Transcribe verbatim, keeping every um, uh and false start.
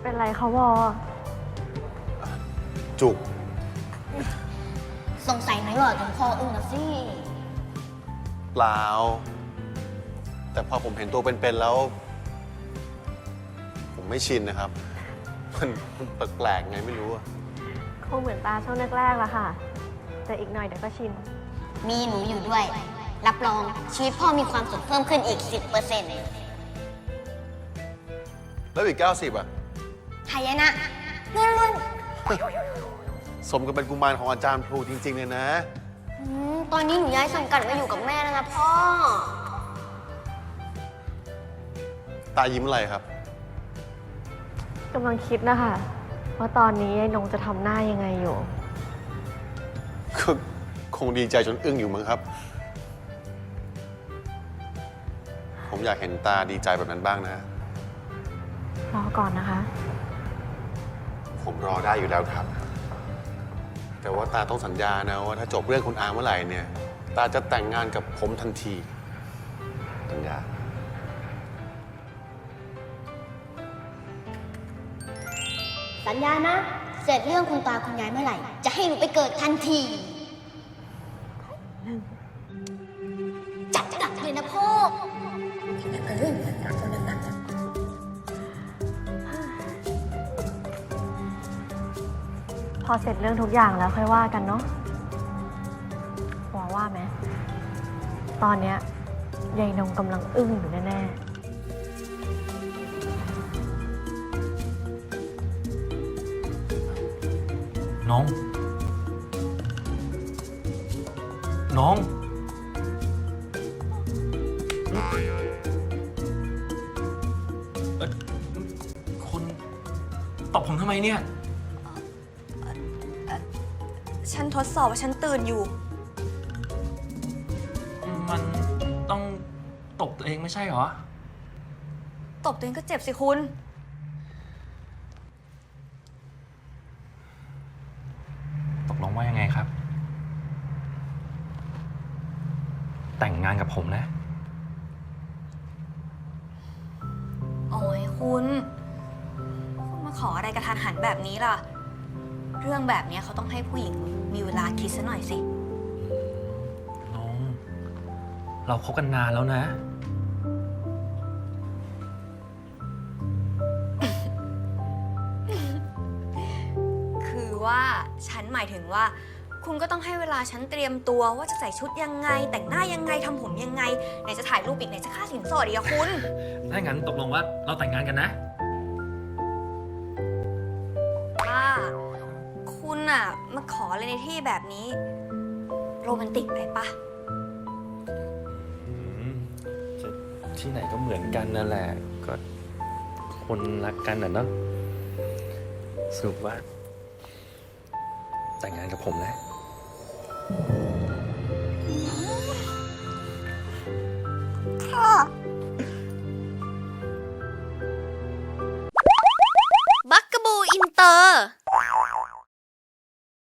เป็นไรคะวอจุกสงสัยไหมหล่อจนคออึ้งนะสิเปล่าแต่พอผมเห็นตัวเป็นๆแล้ว ผมไม่ชินนะครับ มันมันแปลกๆไงไม่รู้อะคงเหมือนตาช่วงแรกๆละค่ะ แต่อีกหน่อยเดี๋ยวก็ชินมีหนูอยู่ด้วย รับรองชีวิตพ่อมีความสุขเพิ่มขึ้นอีก สิบเปอร์เซ็นต์แล้วอีกเก้าสิบอะหายนะเงินล้วนสมกับเป็นกุมารของอาจารย์พลูจริงๆเลยนะอืมตอนนี้หนูย้ายสังกัดมาอยู่กับแม่แล้วนะพ่อตายิ้มอะไรครับกำลังคิดนะคะว่าตอนนี้ไอ้นงจะทำหน้ายังไงอยู่ก็คงดีใจจนอึ้งอยู่มั้งครับ ผมอยากเห็นตาดีใจแบบนั้นบ้างนะรอก่อนนะคะผมรอได้อยู่แล้วครับ แต่ว่าตาต้องสัญญานะว่าถ้าจบเรื่องคุณอาเมื่อไหร่เนี่ย ตาจะแต่งงานกับผมทันที สัญญาสัญญานะ เสร็จเรื่องคุณตาคุณยายเมื่อไหร่ จะให้หนูไปเกิดทันที จัดหนักเลยนะพ่อเออหนักคนหนักพอเสร็จเรื่องทุกอย่างแล้วค่อยว่ากันเนาะวอว่าไหม ตอนเนี้ยยายนงกำลังอึ้งอยู่แน่ๆน้อง น้องเอ่อคุณตบผมทำไมเนี่ยฉันทดสอบว่าฉันตื่นอยู่มันต้องตบตัวเองไม่ใช่เหรอตบตัวเองก็เจ็บสิคุณตกลงว่ายังไงครับ แต่งงานกับผมนะโอ้ยคุณ คุณมาขออะไรกระทันหันแบบนี้ล่ะ เรื่องแบบนี้เขาต้องให้ผู้หญิงมีเวลาคิดซะหน่อยสิน้อง เราคบกันนานแล้วนะคือว่าฉันหมายถึงว่า คุณก็ต้องให้เวลาฉันเตรียมตัวว่าจะใส่ชุดยังไง แต่งหน้ายังไงทำผมยังไงไหนจะถ่ายรูปอีกไหนจะค่าสินสอดอีกอะคุณถ้างั้นตกลงว่าเราแต่งงานกันนะว่าคุณอะมาขออะไรในที่แบบนี้โรแมนติกไปปะอืมจะที่ไหนก็เหมือนกันนั่นแหละ ก็คนรักกันอ่ะเนาะสรุปว่า แต่งงานกับผมนะ